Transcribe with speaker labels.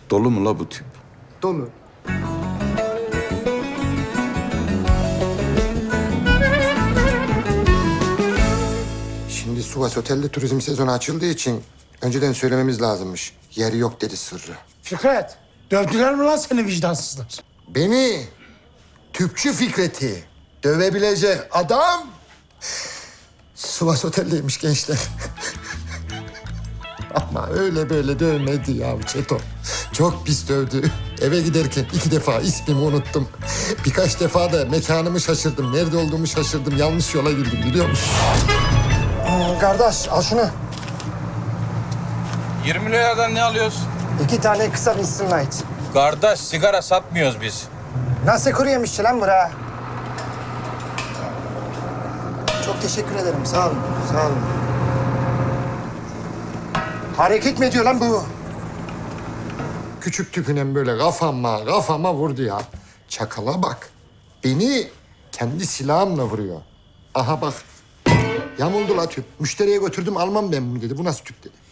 Speaker 1: Dolu mu la bu tip?
Speaker 2: Dolu. Şimdi Sivas Otel'de turizm sezonu açıldığı için önceden söylememiz lazımmış. Yer yok dedi Sırrı.
Speaker 3: Fikret, dövdüler mi lan seni vicdansızlar?
Speaker 2: Beni tüpçü Fikret'i dövebilecek adam Sivas Otel'deymiş gençler. Ama öyle böyle dövmedi ya Çeto. Çok pis dövdü. Eve giderken 2 defa ismimi unuttum. Birkaç defa da mekanımı şaşırdım. Nerede olduğumu şaşırdım. Yanlış yola girdim biliyor musun?
Speaker 3: Kardeş, al şunu.
Speaker 4: 20 liradan ne alıyoruz?
Speaker 3: 2 tane kısa Winston Light.
Speaker 4: Kardeş sigara satmıyoruz biz.
Speaker 3: Nasıl kuru yemişçi lan bura? Çok teşekkür ederim, sağ olun, sağ olun. Hareket mi ediyor lan bu?
Speaker 2: Küçük tüpünen böyle kafama vurdu ya. Çakala bak. Beni kendi silahımla vuruyor. Aha bak. Yamuldu la tüp. Müşteriye götürdüm almam ben bunu dedi. Bu nasıl tüp dedi.